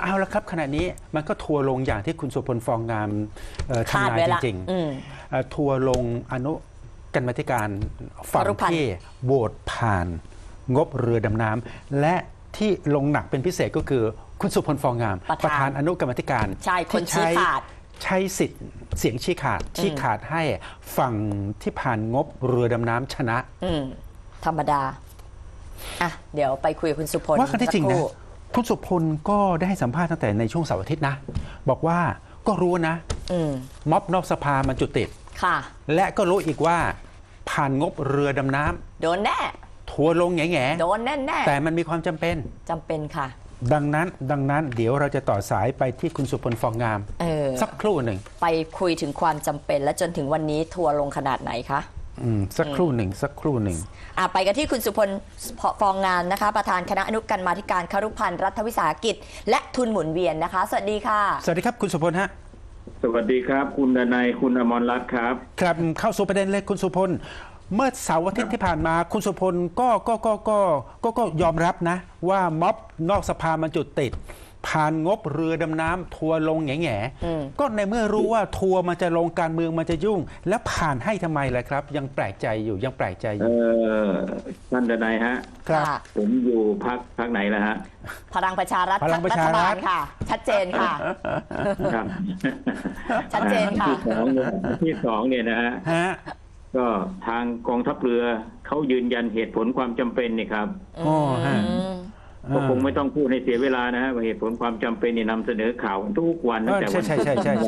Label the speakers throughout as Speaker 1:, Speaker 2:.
Speaker 1: เอาละครับขณะนี้มันก็ทัวร์ลงอย่างที่คุณสุพลฟองงามทำนายจริงๆทัวร์ลงอนุกรรมาธิการฝั่งที่โหวตผ่านงบเรือดำน้ำและที่ลงหนักเป็นพิเศษก็คือคุณสุพลฟองงามประธานอนุกรรมาธิการ
Speaker 2: ที่
Speaker 1: ใช้สิทธิ์เสียงชี้ขาดให้ฝั่งที่ผ่านงบเรือดำน้ำชนะ
Speaker 2: ธรรมดาอ่ะเดี๋ยวไปคุยกับคุณสุพล
Speaker 1: ว่ากันที่จริงนะคุณสุพลก็ได้ให้สัมภาษณ์ตั้งแต่ในช่วงเสาร์อาทิตย์นะบอกว่าก็รู้นะม็อบนอกสภามันจุดติด
Speaker 2: ค่ะ
Speaker 1: และก็รู้อีกว่าผ่านงบเรือดำน้ำ
Speaker 2: โดนแน่
Speaker 1: ทัวร์ลงแง่
Speaker 2: โดนแน่
Speaker 1: แต่มันมีความจำเป็น
Speaker 2: ค่ะ
Speaker 1: ดังนั้นเดี๋ยวเราจะต่อสายไปที่คุณสุพลฟองงามสักครู่หนึ่ง
Speaker 2: ไปคุยถึงความจำเป็นและจนถึงวันนี้ทัวร์ลงขนาดไหนคะ
Speaker 1: สักครู่หนึ่ง
Speaker 2: ไปกันที่คุณสุพลฟองงามนะคะประธานคณะอนุกรรมาธิการครุพันธ์รัฐวิสาหกิจและทุนหมุนเวียนนะคะสวัสดีค่ะ
Speaker 1: สวัสดีครับคุณสุพลฮะ
Speaker 3: สวัสดีครับคุณดนัยคุณอมรรัตน์ครับ
Speaker 1: ครับเข้าสู่ประเด็นเลยคุณสุพลเมื่อเสาร์อาทิตย์ที่ผ่านมาคุณสุพลก็ยอมรับนะว่าม็อบนอกสภามันจุดติดผ่านงบเรือดำน้ำทัวร์ลงแง่ก็ในเมื่อรู้ว่าทัวร์มันจะลงการเมืองมันจะยุ่งแล้วผ่านให้ทำไมล่ะครับยังแปลกใจอยู่
Speaker 3: ท่านดนัยฮะ
Speaker 1: ครับ
Speaker 3: ผมอยู่พักไหนล่ะฮะ
Speaker 2: พลังประชารัฐรัฐบาลค่ะชัดเจนค่ะชัดเจนค่ะ
Speaker 3: ที่สองเนี่ยนะฮะก็ทางกองทัพเรือเขายืนยันเหตุผลความจำเป็นนี่ครับก็คงไม่ต้องพูดให้เสียเวลานะฮะว่าเหตุผลความจำเป็นนี่นำเสนอข่าวทุกวันตั้งแต่วัน
Speaker 1: ใช่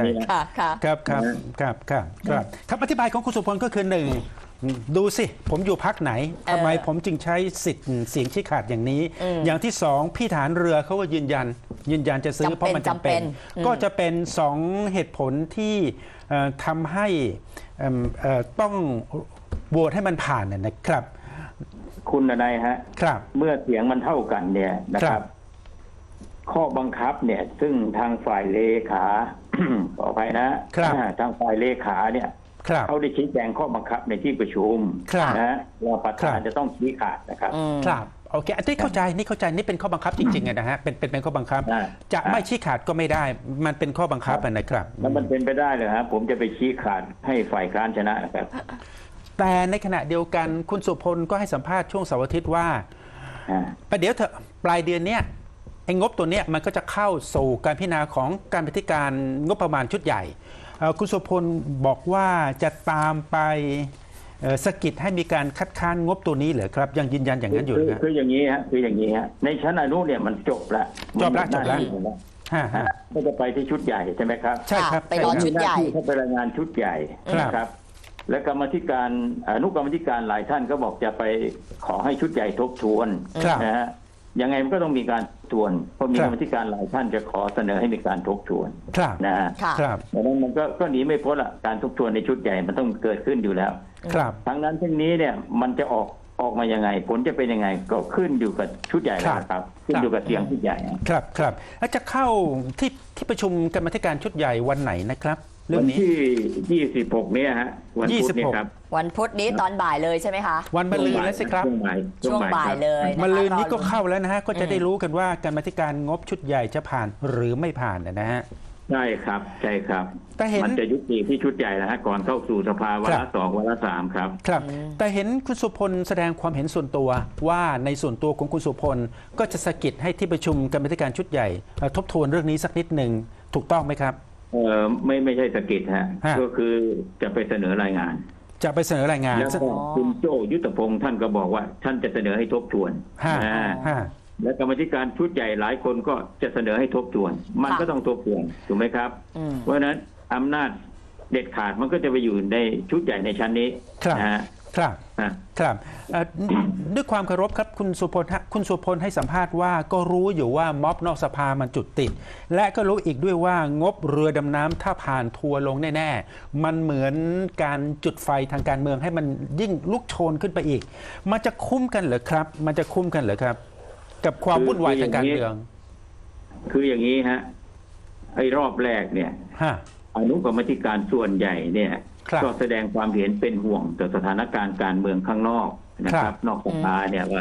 Speaker 1: ครับอธิบายของคุณสุพลก็คือหนึ่งดูสิผมอยู่พักไหนทำไมผมจึงใช้สิทธิ์เสียงชี้ขาดอย่างนี้อย่างที่สองพี่ฐานเรือเขาก็ยืนยันจะซื้อเพราะมันจำเป็นก็จะเป็นสองเหตุผลที่ทำให้ต้องโหวตให้มันผ่านนะครับ
Speaker 3: คุณนายฮะ
Speaker 1: ครับ
Speaker 3: เมื่อเสียงมันเท่ากันเนี่ยนะครับข้อบังคับเนี่ยซึ่งทางฝ่ายเลขาขออภัยนะทางฝ่ายเลขาเนี่ยเขาได้ชี้แจงข้อบังคับในที่ประชุมนะว่าประธานจะต้องชี้ขาดนะครับ
Speaker 1: ครับโอเคอันนี้เข้าใจนี่เป็นข้อบังคับจริงๆนะฮะเป็นข้อบังคับจะไม่ชี้ขาดก็ไม่ได้มันเป็นข้อบังคับนะครับ
Speaker 3: แล้วมันเป็นไปได้เลยครับผมจะไปชี้ขาดให้ฝ่ายค้านชนะนะครับ
Speaker 1: แต่ในขณะเดียวกันคุณสุพลก็ให้สัมภาษณ์ช่วงเสาร์อาทิตย์ว่าประเดี๋ยวเถอะปลายเดือนเนี้ยไอ้งบตัวเนี้ยมันก็จะเข้าสู่การพิจารณาของการพิจารณางบประมาณชุดใหญ่คุณสุพลบอกว่าจะตามไปสกิดให้มีการคัดค้านงบตัวนี้เหรอครับยังยืนยันอย่างนั้นอยู่นะ
Speaker 3: คืออย่างนี้ฮะในชั้นอนุเนี่ยมันจบแล้วก็จะไปที่ชุดใหญ่ใช่ไหมครับ
Speaker 1: ใช่ครับ
Speaker 2: ไปรอชุดใหญ่
Speaker 3: เขาไปรายงานชุดใหญ่นะครับและกรรมธิการอนุกรรมธิการหลายท่านก็บอกจะไปขอให้ชุดใหญ่ทบทวนนะฮะยังไงมันก็ต้องมีการทวนเพราะมีกรรมธิการหลายท่านจะขอเสนอให้มีการทบทวนนะฮะดังนั้นมันก็หนีไม่พ้นละการทบทวนในชุดใหญ่มันต้องเกิดขึ้นอยู่แล้วทั้งนั้นทั้งนี้เนี่ยมันจะออกมายังไงผลจะเป็นยังไงก็ขึ้นอยู่กับชุดใหญ่ครับขึ้นอยู่กับเสียงชุดใหญ่
Speaker 1: ครับแล้วจะเข้าที่ประชุมกรรมธิการชุดใหญ่วันไหนนะครับ
Speaker 3: วันที่26เนี่ยฮะวันพุธเนี่ยครับ
Speaker 2: วันพุธนี้ตอนบ่ายเลยใช่ไหมคะ
Speaker 1: วันมะรืนแล้วสิครับ
Speaker 2: ช่วงบ่ายเลย
Speaker 1: มะรืนนี้ก็เข้าแล้วนะฮะก็จะได้รู้กันว่าการกรรมธิการงบชุดใหญ่จะผ่านหรือไม่ผ่านนะฮะ
Speaker 3: ใช่ครับแต่เห็นมันจะยุติที่ชุดใหญ่นะฮะก่อนเข้าสู่สภาวาระ2วาระ3ครับ
Speaker 1: แต่เห็นคุณสุพลแสดงความเห็นส่วนตัวว่าในส่วนตัวของคุณสุพลก็จะสะกิดให้ที่ประชุมกรรมธิการชุดใหญ่ทบทวนเรื่องนี้สักนิดหนึ่งถูกต้องไหมครับ
Speaker 3: ไม่ใช่สกิดฮะก็คือจะไปเสนอรายงานแล้วคุณโจ้ยุทธพงศ์ท่านก็บอกว่าท่านจะเสนอให้ทบทวนและกรรมธิการชุดใหญ่หลายคนก็จะเสนอให้ทบทวนมันก็ต้องทบทวนถูกไหมครับเพราะฉะนั้นอำนาจเด็ดขาดมันก็จะไปอยู่ในชุดใหญ่ในชั้นนี้
Speaker 1: ครับด้วยความเคารพครับคุณสุพลให้สัมภาษณ์ว่าก็รู้อยู่ว่าม็อบนอกสภามันจุดติดและก็รู้อีกด้วยว่างบเรือดำน้ำถ้าผ่านทัวร์ลงแน่ๆมันเหมือนการจุดไฟทางการเมืองให้มันยิ่งลุกโชนขึ้นไปอีกมันจะคุ้มกันเหรอครับกับความวุ่นวายทางการเมือง
Speaker 3: คืออย่างนี้ฮะไอ้รอบแรกเนี่ยอนุกรรมธิการส่วนใหญ่เนี่ยก็แสดงความเห็นเป็นห่วงต่อสถานการณ์การเมืองข้างนอกนะครับนอกสภาเนี่ยว่า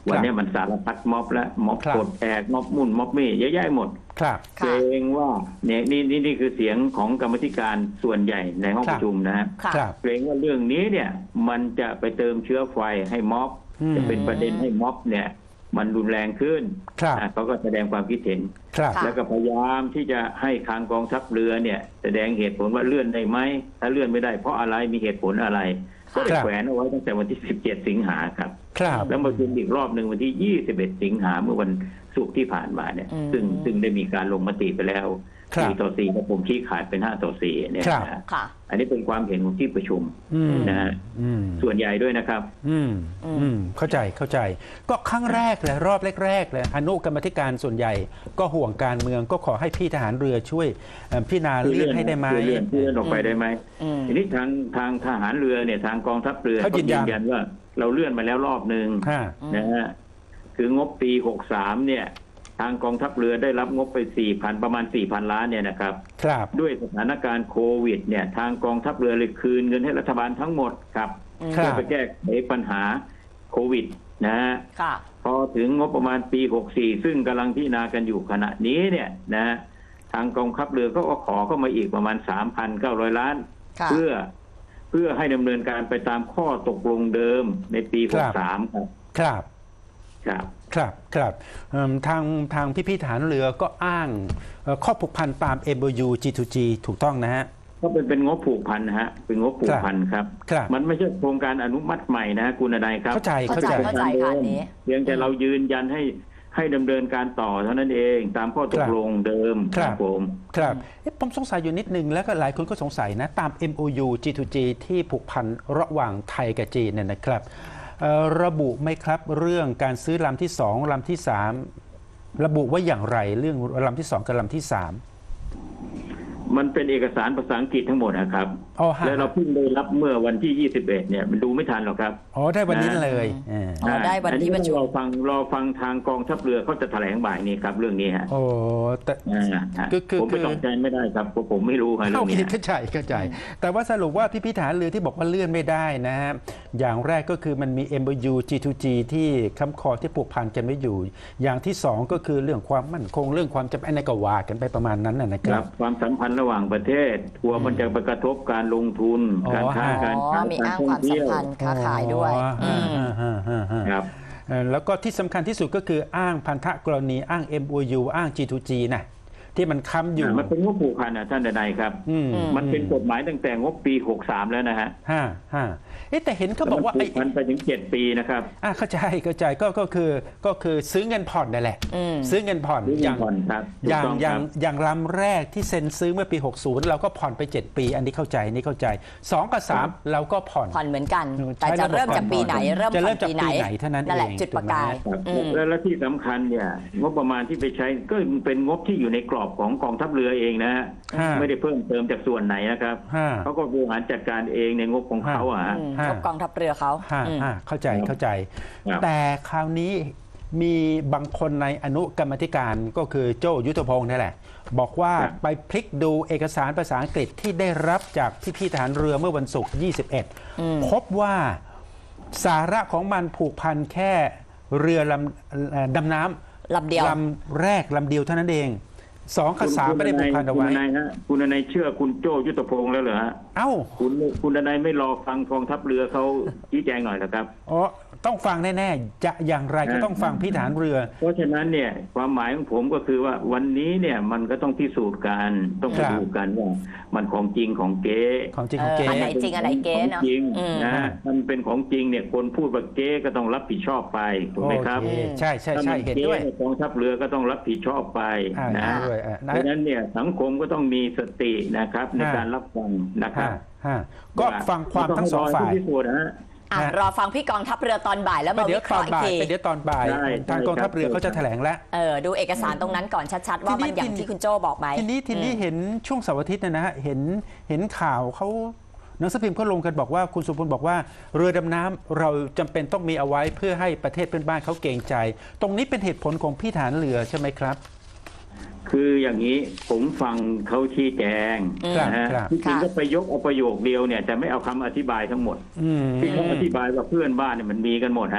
Speaker 3: วันนี้มันสารพัดม็อบและม็อบ
Speaker 1: ครับ
Speaker 3: ปลดแอกม็อบมุ่นม็อบมี่เยอะแยะหมด
Speaker 1: ครับ
Speaker 3: เกรงว่าเนี่ยนี่คือเสียงของกรรมาธิการส่วนใหญ่ในห้อง
Speaker 1: ครั
Speaker 3: ป
Speaker 1: บ
Speaker 3: ระชุมนะฮะ
Speaker 2: ค่ะ
Speaker 1: ครับ
Speaker 3: เกรงว่าเรื่องนี้เนี่ยมันจะไปเติมเชื้อไฟให้ม็อบ
Speaker 1: อืม
Speaker 3: จะเป็นประเด็นให้ม็อบเนี่ยมันรุนแรงขึ้น
Speaker 1: ครับ
Speaker 3: เขาก็แสดงความคิดเห็น
Speaker 1: ครับ
Speaker 2: ค่ะ
Speaker 3: แล้วก็พยายามที่จะให้ทางกองทัพเรือเนี่ยแสดงเหตุผลว่าเลื่อนได้ไหมถ้าเลื่อนไม่ได้เพราะอะไรมีเหตุผลอะไร ก็ได้
Speaker 1: ครับ
Speaker 3: แขวนเอาไว้ตั้งแต่วันที่ 17 สิงหาครับ
Speaker 1: ครับ
Speaker 3: แล้วมาประชุมอีกรอบหนึ่งวันที่ 21 สิงหาเมื่อวันศุกร์ที่ผ่านมาเนี่ย
Speaker 2: อืม
Speaker 3: ซึ่งได้มีการลงมติไปแล้ว
Speaker 1: ครับ
Speaker 3: 4 ต่อ 4กับผมชี้ขาดเป็น 5 ต่อ 4เนี่ย
Speaker 1: ครับ
Speaker 3: นะฮะ
Speaker 2: ค่ะ
Speaker 3: อันนี้เป็นความเห็นของที่ประชุม
Speaker 1: อืม
Speaker 3: นะฮะ
Speaker 1: อืม
Speaker 3: ส่วนใหญ่ด้วยนะครับ
Speaker 1: เข้าใจก็ครั้งแรกเลยรอบแรกๆเลยอนุกรรมาธิการส่วนใหญ่ ก็ห่วงการเมืองก็ขอให้พี่ทหารเรือช่วยพิจารณาเลื่อนให้ได้ไหม
Speaker 3: เลื่อนออกไปได้ไหม
Speaker 2: อืม
Speaker 3: ทีนี้ทางทหารเรือเนี่ยทางกองทัพเรือ
Speaker 1: เขายืนยัน
Speaker 3: ว่าเราเลื่อนมาแล้วรอบหนึ่ง
Speaker 1: ฮะ
Speaker 3: นะฮะคืองบปี 63 เนี่ย ทางกองทัพเรือได้รับงบไป 4,000 ประมาณ 4,000 ล้านเนี่ยนะครับ
Speaker 1: ครับ
Speaker 3: ด้วยสถานการณ์โควิดเนี่ยทางกองทัพเรือเลยคืนเงินให้รัฐบาลทั้งหมดครับ
Speaker 1: ครั
Speaker 3: เพื่อบ ไปแก้ไขปัญหาโควิดนะฮะ
Speaker 2: ค่ะ
Speaker 3: พอถึงงบประมาณปี 64 ซึ่งกำลังพิจารณากันอยู่ขณะนี้เนี่ยนะทางกองทัพเรือก็ขอเข้ามาอีกประมาณ 3,900 ล้าน
Speaker 2: ค่ะ
Speaker 3: เพื่อให้ดำเนินการไปตามข้อตกลงเดิมในปี 63 ครับ
Speaker 1: ครับ
Speaker 3: ครับ
Speaker 1: ครับทางพี่ทหารเรือก็อ้างข้อผูกพันตาม MOU G2G ถูกต้องนะฮะ
Speaker 3: ก็เป็นงบผูกพันนะฮะเป็นงบผูกพันครับ
Speaker 1: ครับ
Speaker 3: มันไม่ใช่โครงการอนุมัติใหม่นะฮะคุณนายครับ
Speaker 1: เข้าใจ
Speaker 2: เข้าใจค่ะอันนี้
Speaker 3: เพียงแต่เรายืนยันให้ดำเนินการต่อเท่านั้นเอง ตามข้อตกลงเดิม
Speaker 1: ครับ
Speaker 3: ผม
Speaker 1: ครับผมสงสัยอยู่นิดนึงแล้วก็หลายคนก็สงสัยนะตาม MOU G2G ที่ผูกพันระหว่างไทยกับจีนเนี่ยนะครับระบุไหมครับเรื่องการซื้อลำที่2ลำที่3ระบุว่าอย่างไรเรื่องลำที่2กับลำที่3
Speaker 3: มันเป็นเอกสารภาษาอังกฤษทั้งหมดนะครับ
Speaker 1: อ๋อฮะ
Speaker 3: แล้วเราเพิ่งได้รับเมื่อวันที่ 21 เนี่ยมันดูไม่ทันหรอกครับ
Speaker 1: อ๋อได้วันนี้เลยอ่า
Speaker 2: อ๋อได้วันที่ประชุม
Speaker 3: รอฟังทางกองทัพเรือเขาจะแถลงบ่ายนี้ครับเรื่องนี้ฮะ
Speaker 1: โอ้แต่
Speaker 3: ฮะ
Speaker 1: คือ
Speaker 3: ผมไปตอบแทนไม่ได้ครับเพราะผมไม่รู้ครับเรื่
Speaker 1: เข้า
Speaker 3: องนี้
Speaker 1: เข้าใจ แต่ว่าสรุปว่าพี่ทหารเรือที่บอกว่าเลื่อนไม่ได้นะฮะอย่างแรกก็คือมันมี MOU G2G ที่ค้ำคอที่ผูกพันกันไม่อยู่ อย่างที่2ก็คือเรื่องความมั่นคงเรื่องความจำเป็นในก็ว่ากันไปประมาณนั้นนะค
Speaker 3: ค
Speaker 1: รั
Speaker 3: รับ บความสัมพันธ์ระหว่างประเทศกลัวมันจะไปกระทบการลงทุน
Speaker 1: อ๋อ
Speaker 3: การค้า
Speaker 1: ฮะ
Speaker 3: การ
Speaker 2: อ๋อ
Speaker 3: ขาย
Speaker 2: มี
Speaker 3: การ
Speaker 2: อ้าง
Speaker 3: ท่อ
Speaker 2: ควาง มสัม
Speaker 3: เที่ยว
Speaker 2: พันธ์ค้าขายด้วย
Speaker 1: อ๋อ
Speaker 2: อืม
Speaker 3: ครับ
Speaker 1: แล้วก็ที่สำคัญที่สุดก็คืออ้างพันธกรณีอ้าง MOU อ้าง G2G นะที่มันค้ำอยู่
Speaker 3: มันเป็นงบผูกพันนะท่านใดๆครับ
Speaker 1: อืม
Speaker 3: มันเป็นกฎหมายตั้งแต่งบปี 63 แล้วนะฮะ
Speaker 1: ฮะแต่เห็นเขาบอกว่า
Speaker 3: แล้วมันผูกพันไปถึง 7 ปีนะครับ
Speaker 1: เข้าใจก็คือซื้อเงินผ่อนนั่นแหละ
Speaker 2: อืม
Speaker 1: ซื้อเงินผ่อน
Speaker 3: ซื้อ
Speaker 1: อ
Speaker 3: เงิ
Speaker 1: ย่าน ง
Speaker 3: ผ่อนครับถู
Speaker 1: อก ย่าง
Speaker 3: ต้อง
Speaker 1: อ
Speaker 3: ค
Speaker 1: ย่าง
Speaker 3: รับ
Speaker 1: อย่างลำแรกที่เซ็นซื้อเมื่อปี 60 เราก็ผ่อนไป 7 ปี อันนี้เข้าใจ2 กับ 3 เราก็ผ่อน
Speaker 2: ผ่อนเหมือนกัน
Speaker 1: ใช้
Speaker 2: แต่จะเริ่มจากปีไหน เริ่ม
Speaker 1: จะ
Speaker 2: ผ่
Speaker 1: เริ่
Speaker 2: อน
Speaker 1: มจาก
Speaker 2: ปีไหน
Speaker 1: ปีไหนเท่านั้น
Speaker 2: นั่นแหละ
Speaker 1: เอง
Speaker 2: จุดประกาย
Speaker 3: ครับ
Speaker 2: อืม
Speaker 3: และที่สำคัญเนี่ยงบประมาณที่ไปใช้ก็เป็นงบที่อยู่ในกรอบของกองทัพเรือเองนะฮะ
Speaker 1: ฮะ
Speaker 3: ไม่ได้เพิ่มเติมจากส่วนไหนนะครับ
Speaker 1: ฮะ
Speaker 3: เขาก็บริหารจัดการเองในงบของเขาอะฮะ
Speaker 2: งบกองทัพเรือเขา อืม
Speaker 1: เข้าใจ
Speaker 3: ครับ
Speaker 1: แต่คราวนี้มีบางคนในอนุกรรมาธิการก็คือโจ้ยุทธพงศ์นี่แหละ บอกว่าไปพลิกดูเอกสารภาษาอังกฤษที่ได้รับจากพี่ทหารเรือเมื่อวันศุกร์21 พบว่าสาระของมันผูกพันแค่เรือดำน้ำ
Speaker 2: ลำเดียว
Speaker 1: ลำแรกลำเดียวเท่านั้นเอง2 กับ 3ไม่ได้ผูกพันเอาไว้
Speaker 3: คุณนายฮะคุณนายเชื่อคุณโจ้ยุทธพงศ์แล้วเหรอฮะ
Speaker 1: เอ้า
Speaker 3: คุณนายไม่รอฟังกองทัพเรือเขาชี้แจงหน่อยเหรอครับ
Speaker 1: อ๋อต้องฟังแน่ๆจะอย่างไรก็ต้องฟังพี่ทหารเรือ
Speaker 3: เพราะฉะนั้นเนี่ยความหมายของผมก็คือว่าวันนี้เนี่ยมันก็ต้องพิสูจน์กันต้อง
Speaker 1: ครั
Speaker 3: ไป
Speaker 1: บ
Speaker 3: ดูกันว่ามันของจริงของเก๊
Speaker 1: ของจริงของเก๊
Speaker 2: อันไหนจริงอันไหนเก๊เนอะ
Speaker 3: ของจริง
Speaker 2: อืม
Speaker 3: นะมันเป็นของจริงเนี่ยคนพูดว่าเก๊ก็ต้องรับผิดชอบไปถูกไหมครับ
Speaker 1: โอเคใช่
Speaker 3: ถ้ามัน
Speaker 1: เห็น
Speaker 3: เก๊
Speaker 1: ด้วย
Speaker 3: เนี่ยกองทัพเรือก็ต้องรับผิดชอบไป
Speaker 1: เห็
Speaker 3: นะ
Speaker 1: นด้วย
Speaker 3: เพราะฉะนั้นเนี่ยสังคมก็ต้องมีสตินะครับในการรับฟังนะครับ
Speaker 1: ก็ฟังความทั้งสองฝ่าย
Speaker 3: ไม่ต้รให้ผู้พิสูจน์นะฮะ
Speaker 2: รอฟังพี่กองทัพเรือตอนบ่ายแล้ว
Speaker 1: ไป
Speaker 2: มา
Speaker 1: เดี๋ย
Speaker 2: วิ
Speaker 1: ว
Speaker 2: เค
Speaker 1: ตอ
Speaker 2: ราะ
Speaker 1: น
Speaker 2: ห์อีก
Speaker 1: บ่าย
Speaker 2: ที
Speaker 1: ไปเดี๋ยวตอนบ่าย
Speaker 3: ใช่
Speaker 1: ทางกองทัพเรือเขาจะแถลงแล้ว
Speaker 2: ดูเอกสารตรงนั้นก่อนชัดๆ ว่ามันอย่างที่คุณโจ้บอกไหม
Speaker 1: ทีนี้เห็นช่วงเสาร์อาทิตย์นะฮะเห็นข่าวเขาหนังสือพิมพ์เขาลงกันบอกว่าคุณสุพลบอกว่าเรือดำน้ำเราจำเป็นต้องมีเอาไว้เพื่อให้ประเทศเพื่อนบ้านเขาเกรงใจ ตรงนี้เป็นเหตุผลของพี่ฐานเรือใช่ไหมครับ
Speaker 3: คืออย่างนี้ผมฟังเขาชี้แจง
Speaker 1: ครับ
Speaker 3: นะฮะ
Speaker 1: ครับ
Speaker 3: ที่จริง
Speaker 2: ค่ะ
Speaker 3: ก็ไปยกเอาประโยคเดียวเนี่ยแต่ไม่เอาคำอธิบายทั้งหมด
Speaker 1: อืม
Speaker 3: ที่เขาอธิบายว่าเพื่อนบ้านเนี่ยมันมีกันหมดฮะ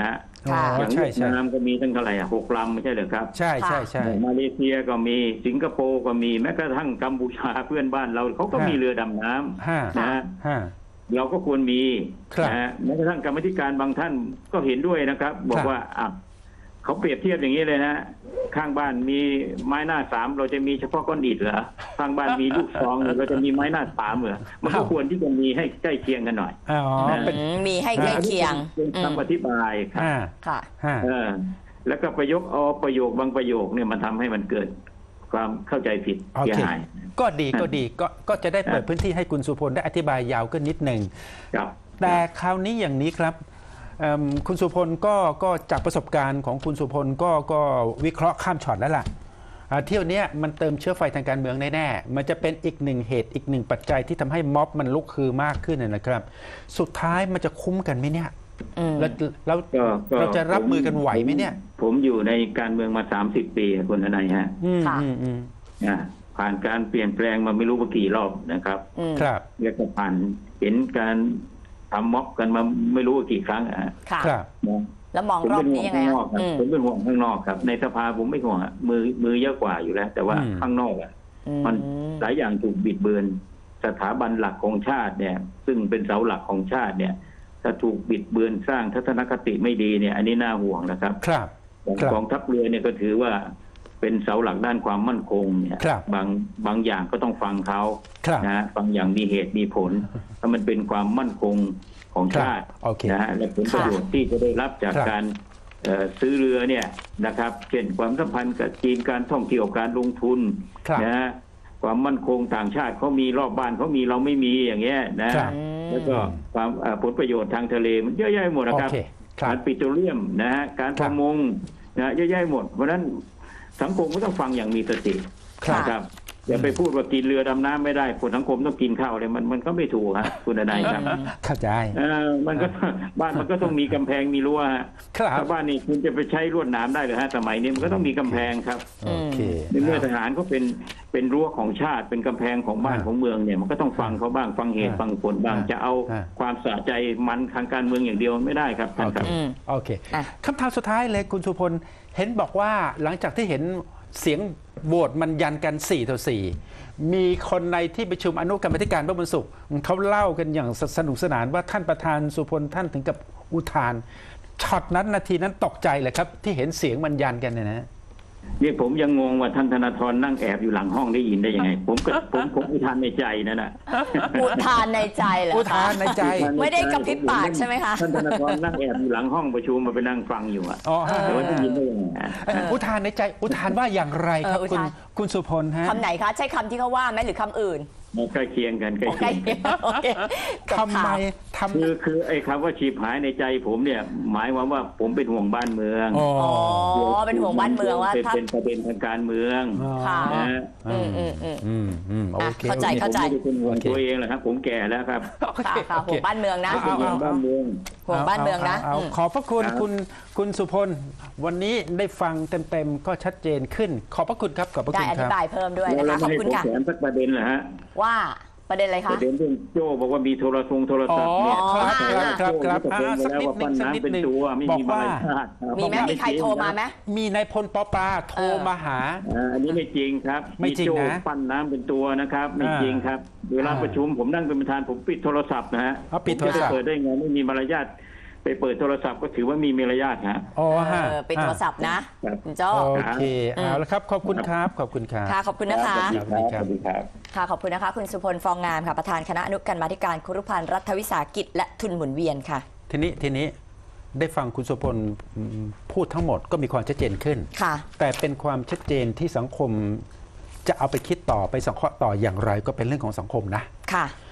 Speaker 2: ค่ะ
Speaker 3: อย่าง
Speaker 1: ใช่
Speaker 3: เวียด
Speaker 1: ใช่
Speaker 3: นามก็มีตั้งเท่าไหร่6 ลำไม่ใช่เหรอครับ
Speaker 1: ใช่ใช่ใช่
Speaker 3: มาเลเซียก็มีสิงคโปร์ก็มีแม้กระทั่งกัมพูชาเพื่อนบ้านเราเขาก็มีเรือดำน้ำ
Speaker 1: ห้า
Speaker 3: นะฮะ
Speaker 1: ห้า
Speaker 3: เราก็ควรมี
Speaker 1: ครับ
Speaker 3: นะฮะแม้กระทั่งกรรมาธิการบางท่านก็เห็นด้วยนะครับ บอกว่าเขาเปรียบเทียบอย่างนี้เลยนะข้างบ้านมีไม้หน้าสามเราจะมีเฉพาะก้อนอิฐเหรอข้างบ้านมีลูกซองเราจะมีไม้หน้าสามเหรอมันก็ควรที่จะมีให้ใกล้เคียงกันหน่อย
Speaker 1: อ๋อเป็น
Speaker 2: มีให้ใกล้เคียง
Speaker 3: เป็นคำอธิบายครับ
Speaker 1: ห้า
Speaker 2: ค่ะ
Speaker 1: ห้า
Speaker 3: แล้วก็ประโยคบางประโยคเนี่ยมันทำให้มันเกิดความเข้าใจผิด
Speaker 1: โอ
Speaker 3: เสีย
Speaker 1: เค
Speaker 3: หาย
Speaker 1: ก็ดีก็ดีก็จะได้เปิดพื้นที่ให้คุณสุพลได้อธิบายยาวขึ้นนิดหนึ่ง
Speaker 3: ครับ
Speaker 1: แต่คราวนี้อย่างนี้ครับคุณสุพลก็จากประสบการณ์ของคุณสุพลก็วิเคราะห์ข้ามช็อตแล้วล่ะเที่ยวนี้มันเติมเชื้อไฟทางการเมืองแน่ๆมันจะเป็นอีกหนึ่งเหตุอีกหนึ่งปัจจัยที่ทำให้ม็อบมันลุกคือมากขึ้นนะครับ สุดท้ายมันจะคุ้มกันไหมเนี่ยแล้วเราจะรับมือกันไหวไหมเนี่ย
Speaker 3: ผมอยู่ในการเมืองมา30 ปีคุณทนายฮะ
Speaker 2: ค่ะ
Speaker 3: ผ่านการเปลี่ยนแปลงมาไม่รู้ว่ากี่รอบนะครับ
Speaker 1: ครับ
Speaker 3: แล้วก็ผ่านเห็นการทำม็อบกันมาไม่รู้ว่ากี่ครั้ง
Speaker 2: ค่ะ
Speaker 1: ครับ
Speaker 3: นะ
Speaker 2: แล้วมอง
Speaker 3: ผม
Speaker 2: รอ
Speaker 3: เป็
Speaker 2: บ
Speaker 3: นห่
Speaker 2: นี้
Speaker 3: วง
Speaker 2: ยังไง
Speaker 3: ข้างน
Speaker 2: อะ
Speaker 3: อกครับผมเป็นห่วงข้างนอกครับในสภาผมไม่ห่วงมือเยอะกว่าอยู่แล้ว แต่ว่าข้างนอกมันหลายอย่างถูกบิดเบือนสถาบันหลักของชาติเนี่ยซึ่งเป็นเสาหลักของชาติเนี่ยถ้าถูกบิดเบือนสร้างทัศนคติไม่ดีเนี่ยอันนี้น่าห่วงนะครับ
Speaker 1: ครับ
Speaker 3: กองทัพเรือเนี่ยก็ถือว่าเป็นเสาหลักด้านความมั่นคงเนี่ย
Speaker 1: ครับ
Speaker 3: บางอย่างก็ต้องฟังเขา
Speaker 1: ครับ
Speaker 3: นะฮะบางอย่างมีเหตุมีผลถ้ามันเป็นความมั่นคงของชาติ
Speaker 1: โอเค
Speaker 3: นะฮะและผลประโยชน์ที่จะได้รับจาก
Speaker 1: ครับ
Speaker 3: การซื้อเรือเนี่ยนะครับเช่นความสัมพันธ์กับจีนการท่องเที่ยวการลงทุน
Speaker 1: ครับ
Speaker 3: นะฮะความมั่นคงต่างชาติเขามีรอบบ้านเขามีเราไม่มีอย่างเงี้ยนะครับ แล้วก็ความผลประโยชน์ทางทะเลมันเยอะแยะหมดนะครับ
Speaker 1: โอเคครับ
Speaker 3: การปิโตรเลียมนะฮะการประมงนะเยอะแยะหมดเพราะฉะนั้นสังคมก็ต้องฟังอย่างมีสติ
Speaker 1: ครับ
Speaker 3: นะครับอย่าไปพูดว่ากินเรือดำน้ำไม่ได้คนสังคมต้องกินข้าวเลยมันก็ไม่ถูกฮะคุณนายครับ
Speaker 1: เข้าใจ
Speaker 3: มันก็บ้านมันก็ต้องมีกำแพงมีรั้วฮะ
Speaker 1: ครับ
Speaker 3: ถ้าบ้านนี้คุณจะไปใช้ลวดหนามได้หรือฮะสมัยนี้มันก็ต้องมีกำแพงครับ
Speaker 1: โอเค
Speaker 3: ในเมื่อทหารเขาเป็นรั้วของชาติเป็นกำแพงของบ้านของเมืองเนี่ยมันก็ต้องฟังเขาบ้างฟังเหตุฟังผลบ้างจะเอาความสะใจมันทางการเมืองอย่างเดียวไม่ได้ครับท่านครับ
Speaker 1: โอเค
Speaker 2: อ่ะ
Speaker 1: คำถามสุดท้ายเลยคุณสุพลเห็นบอกว่าหลังจากที่เห็นเสียงโหวตมันยันกัน4-4มีคนในที่ประชุมอนุกรรมาธิการเมื่อวันศุกร์เขาเล่ากันอย่างสนุกสนานว่าท่านประธานสุพลท่านถึงกับอุทานช็อตนั้นนาทีนั้นตกใจเลยครับที่เห็นเสียงมันยันกันเนี่ยนะ
Speaker 3: นี่ผมยังงงว่าท่านธนาธรนั่งแอบอยู่หลังห้องได้ยินได้ยังไง ผมอุทานในใจนั่นน่ะ
Speaker 2: อุทานในใจเหรอ
Speaker 1: อุ
Speaker 2: คะ
Speaker 1: ทานในใจ
Speaker 2: ไม่ได้กระพริบปากใช่ไหมคะ
Speaker 3: ท่านธนาธรนั่งแอบอยู่หลังห้องประชุมมาไปนั่งฟังอยู่อ่ะ
Speaker 1: อ๋อฮะ
Speaker 3: แต่ว่าได้ยินได้ยังไงฮะ
Speaker 1: อุทานในใจอุทานว่าอย่างไรครับ
Speaker 2: อุ
Speaker 1: คุณ
Speaker 2: ทาน
Speaker 1: คุณสุพลฮะ
Speaker 2: คำไหนคะ ใช้คำที่เขาว่าไหมหรือคำอื่น
Speaker 3: ใกล้เคียงกันใกล้
Speaker 2: โอ
Speaker 3: เคียงกัน
Speaker 2: โอเคกับ
Speaker 1: ทำไม
Speaker 2: ข่าว
Speaker 1: ทำ
Speaker 3: คือไอ้คำว่าฉีบหายในใจผมเนี่ย หมายความว่าผมเป็นห่วงบ้านเมือง
Speaker 1: อ๋อ
Speaker 2: อ๋อเป็นห่วงบ้านเมืองว่าถ้า
Speaker 3: เป็นประเด็นทางการเมือง
Speaker 2: ค่ะ
Speaker 3: นะฮะ
Speaker 1: โอเค
Speaker 2: เข้าใจ
Speaker 3: ผมไม่ได้เป็นห่วงตัวเองหรอกครับ ผมแก่แล้วครับ
Speaker 1: โอเค
Speaker 2: ค่ะห่วงบ้านเมืองนะ
Speaker 3: เป็นห่วงบ้านเมือง
Speaker 2: ห่วงบ้านเมืองนะ
Speaker 1: าขอบพระคุณ
Speaker 3: ครับ
Speaker 1: คุณสุพลวันนี้ได้ฟังเต็มๆก็ชัดเจนขึ้น ขอบพระคุณครับขอบพระ
Speaker 2: ได้
Speaker 1: คุณ
Speaker 2: อ
Speaker 1: ค
Speaker 2: ธิ
Speaker 1: รับ
Speaker 2: บายเพิ่มด้วย
Speaker 3: แล้ว
Speaker 2: นะคะ ขอบ
Speaker 3: ให้
Speaker 2: คุณ
Speaker 3: ผม
Speaker 2: ค่ะ
Speaker 3: แถมสักประเด็นเหรอฮะ
Speaker 2: ว่าประเด็นอะไร
Speaker 3: ป
Speaker 2: คะ
Speaker 3: ระเด็นเรื่องโจ้บอกว่ามีโทรศัพท์เนี่ย
Speaker 1: อ๋อครับ
Speaker 3: โจ้
Speaker 1: สักนิด
Speaker 3: ว่า
Speaker 1: นึง
Speaker 3: น้ำเป็นตัวไม่
Speaker 1: บอก
Speaker 3: มี
Speaker 1: ว่า
Speaker 3: มารยาท
Speaker 2: มีไหมมีใครโทรมาไหม
Speaker 1: มีนายพลปปาโทรมาหา
Speaker 3: อันนี้ไม่จริงครับ
Speaker 1: ไม่จริงนะ
Speaker 3: โจ้ปั้นน้ำเป็นตัวนะครับ ไม่จริงครับเวลาประชุมผมนั่งเป็นประธานผมปิดโทรศัพท์นะฮะ
Speaker 1: อ๋อปิดโทรศัพท์
Speaker 3: ผมจะเปิดได้ไงไม่มีมารยาทไปเปิดโทรศัพท์ก็ถือว่ามีมารยาทฮะ
Speaker 1: อ๋อฮะ
Speaker 2: เป็นโทรศัพท์นะครับ คุณโจ้
Speaker 1: โอเคเอาละครับขอบคุณครับขอบคุณครับ
Speaker 2: ค่ะขอบคุณนะคะ
Speaker 3: สวัสดีครับ
Speaker 2: ค่ะขอบคุณนะคะ คุณสุพลฟองงามค่ะประธานคณะอนุกรรมาธิการครุพันธ์รัฐวิสาหกิจและทุนหมุนเวียนค่ะ
Speaker 1: ทีนี้ได้ฟังคุณสุพลพูดทั้งหมดก็มีความชัดเจนขึ้น
Speaker 2: ค่ะ
Speaker 1: แต่เป็นความชัดเจนที่สังคมจะเอาไปคิดต่อไปสังเคราะห์ต่ออย่างไรก็เป็นเรื่องของสังคมนะ
Speaker 2: ค่ะ